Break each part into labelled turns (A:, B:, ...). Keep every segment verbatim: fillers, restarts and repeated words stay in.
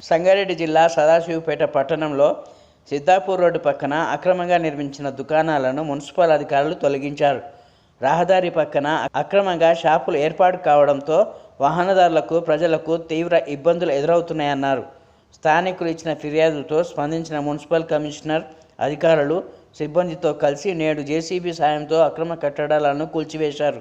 A: సంగారెడ్డి జిల్లా సదాశివపేట పట్టణంలో సిద్ధాపూర్ రోడ్డు పక్కన అక్రమంగా నిర్మించిన దుకాణాలను మున్సిపల్ అధికారులు తొలగించారు. రహదారి పక్కన అక్రమంగా షాపులు ఏర్పాటు కావడంతో వాహనదారులకు, ప్రజలకు తీవ్ర ఇబ్బందులు ఎదురవుతున్నాయన్నారు. స్థానికులు ఇచ్చిన ఫిర్యాదులతో స్పందించిన మున్సిపల్ కమిషనర్ అధికారులు సిబ్బందితో కలిసి నేడు జేసీబీ సాయంతో అక్రమ కట్టడాలను కూల్చివేశారు.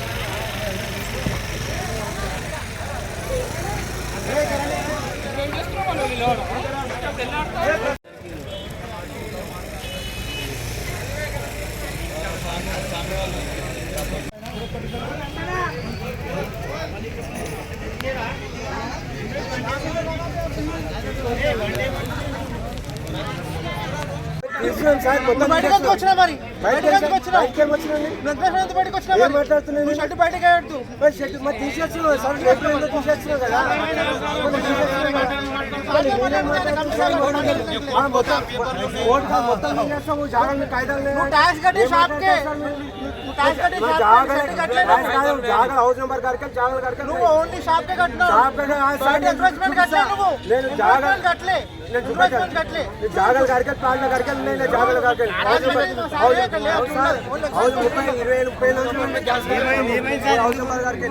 B: బయటకు వచ్చినా మరి బయటకు వచ్చినా బయటకు వచ్చినా మాట్లాడుతున్నాను. షర్ట్ బయటకు షర్ట్ మరి తీసేస్తున్నావు సార్, తీసేస్తున్నావు కదా. మొత్తం తీసేస్తాము, జాగ్రత్త కాయిదాలు ట్యాక్స్ కట్టి షాప్కే జాగ్రత్త హౌస్ నెంబర్ కడికి జాగ్రత్త కడికి నువ్వు ఓన్లీ షాప్ కే కట్టినావు. నేను జాగ్రత్త కట్టలే కట్టలే జాగ్రత్త కడికి ప్లాన్ కడికి నేను జాగ్రత్త కడికి హౌస్ ముప్పై ఇరవై ముప్పై హౌస్ నెంబర్ కడికి